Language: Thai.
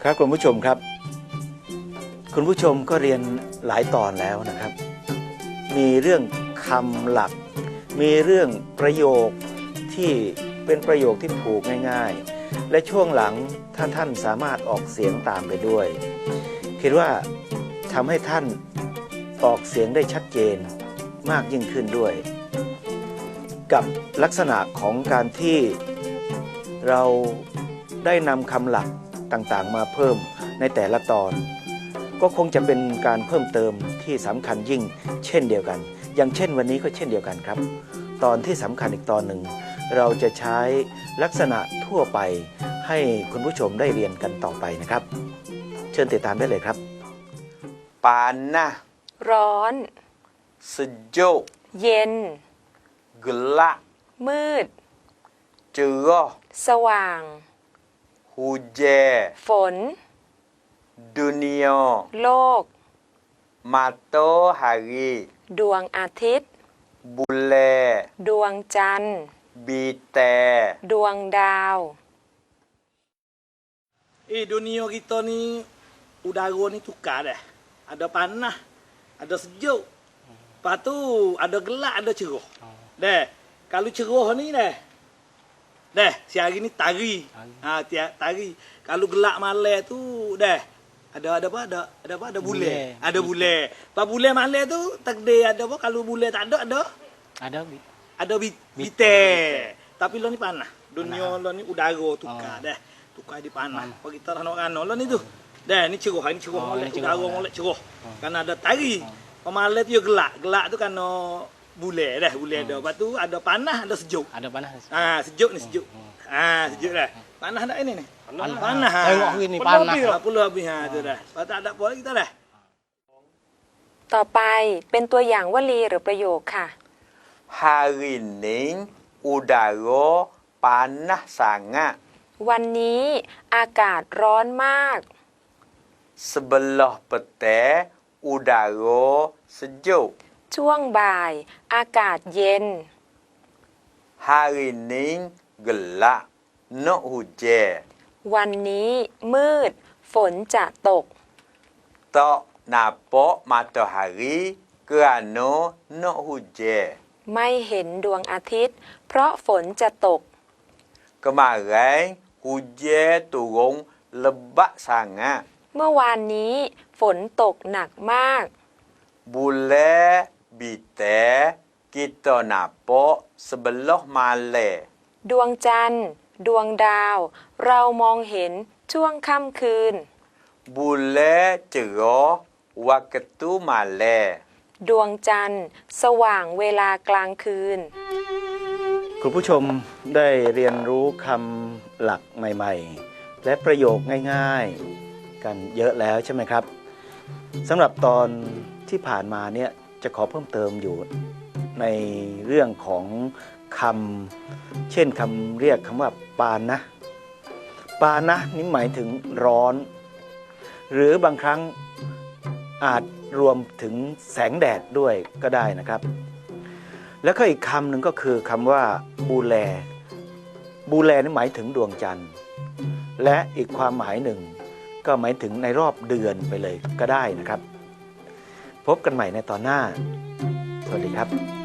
ครับคุณผู้ชมครับคุณผู้ชมก็เรียนหลายตอนแล้วนะครับมีเรื่องคำหลักมีเรื่องประโยคที่เป็นประโยคที่ผูกง่ายๆและช่วงหลังถ้าท่านสามารถออกเสียงตามไปด้วยคิดว่าทำให้ท่านออกเสียงได้ชัดเจนมากยิ่งขึ้นด้วยกับลักษณะของการที่เราได้นำคำหลักต่างๆมาเพิ่มในแต่ละตอนก็คงจะเป็นการเพิ่มเติมที่สำคัญยิ่งเช่นเดียวกันอย่างเช่นวันนี้ก็เช่นเดียวกันครับตอนที่สำคัญอีกตอนหนึ่งเราจะใช้ลักษณะทั่วไปให้คุณผู้ชมได้เรียนกันต่อไปนะครับเชิญติดตามได้เลยครับ panas ร้อน sejuk เย็น gelap มืด cerah สว่าง hujan ฝน dunia โลก matahari ดวงอาทิตย์ bulan ดวงจันทร์ bintang ดวงดาว Dunia kita ni udara ni tukar dah. Ada panas, ada sejuk. Lepas tu ada gelap, ada cerah. Dah. Kalau cerah ni dah. Dah, siang ni tari. Tiap tari. Kalau gelap malam tu dah. Ada apa? Ada apa? Ada bulan. Ada bulan. Pas bulan malam tu takdir ada apa? Kalau bulan tak ada ada bintang. Tapi lo ni panas. Dunia lo ni udara tukar dah. Tukar di panas. Kalau kita rano-rano lo ni tu. Dah ni cerah, ni cerah molek, udara molek cerah. Kan ada tari. Malam tu gelap. Gelap tu kan bulan dah, bulan dah. Lepas tu ada panas, ada sejuk. Ada panas. Sejuk ni sejuk. Sejuk dah. Panas tak ini ni? Panas. Tengok hari ni panas. 10 habis tu dah. Lepas tu tak ada apa lagi kita dah. ต่อไปเป็นตัวอย่างวลีหรือประโยคค่ะ hari ni udara panas sangat วันนี้อากาศร้อนมาก sebelah petang udara sejuk ช่วงบ่าย อากาศเย็น hari ni gelap nak hujan วันนี้มืด ฝนจะตก tak nampak matahari kerana nak hujan ไม่เห็นดวงอาทิตย์ เพราะฝนจะตก kemarin hujan turun lebat sangat เมื่อวานนี้ฝนตกหนักมาก bulan bintang kita nampak sebelah malam ดวงจันทร์ ดวงดาว เรามองเห็นช่วงค่ำคืน bulan cerah waktu malam ดวงจันทร์ สว่างเวลากลางคืนคุณผู้ชมได้เรียนรู้คำหลักใหม่ๆและประโยคง่ายๆกันเยอะแล้วใช่ไหมครับสำหรับตอนที่ผ่านมาเนี่ยจะขอเพิ่มเติมอยู่ในเรื่องของคำเช่นคำเรียกคำว่าปานนะปานนะนี่หมายถึงร้อนหรือบางครั้งอาจรวมถึงแสงแดดด้วยก็ได้นะครับแล้วก็อีกคำหนึ่งก็คือคำว่าบูแลบูแลนี่หมายถึงดวงจันทร์และอีกความหมายหนึ่งก็หมายถึงในรอบเดือนไปเลยก็ได้นะครับพบกันใหม่ในตอนหน้าสวัสดีครับ